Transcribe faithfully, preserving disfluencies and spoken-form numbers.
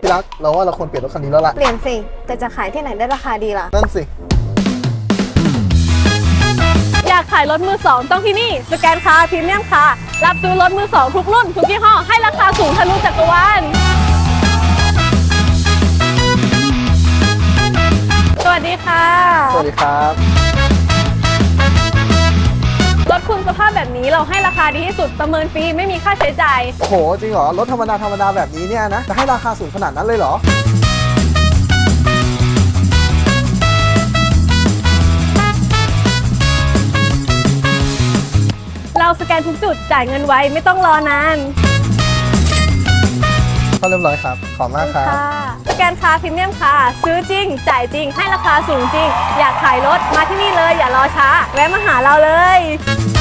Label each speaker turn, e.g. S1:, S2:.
S1: ที่รักเราว่าเราควรเปลี่ยนรถคันนี้แล้วล่ะ
S2: เปลี่ยนสิแต่จะขายที่ไหนได้ราคาดีล่ะ
S1: นั่นสิ
S3: อยากขายรถมือสองต้องที่นี่สแกนคาร์พรีเมียมคาร์รับซื้อรถมือสองทุกรุ่นทุกยี่ห้อให้ราคาสูงทะลุจักรวาลสวัสดีค่ะ
S1: สวัสดีครับ
S3: รถคุณสภาพแบบนี้เราให้ราคาดีที่สุดประเมินฟรีไม่มีค่าใช้จ่าย
S1: โอ้โหจริงเหรอรถธรรมดาธรรมดาแบบนี้เนี่ยนะจะให้ราคาสูงขนาดนั้นเลยเหรอ
S3: เราสแกนทุกจุดจ่ายเงินไวไม่ต้องรอนาน
S1: เข้าเรียบร้อยครับขอบมากครับ
S3: สแกนคาร์พรีเมียมคาร์ซื้อจริงจ่ายจริงให้ราคาสูงจริงอยากขายรถมาที่นี่เลยอย่ารอช้าแวะมาหาเราเลย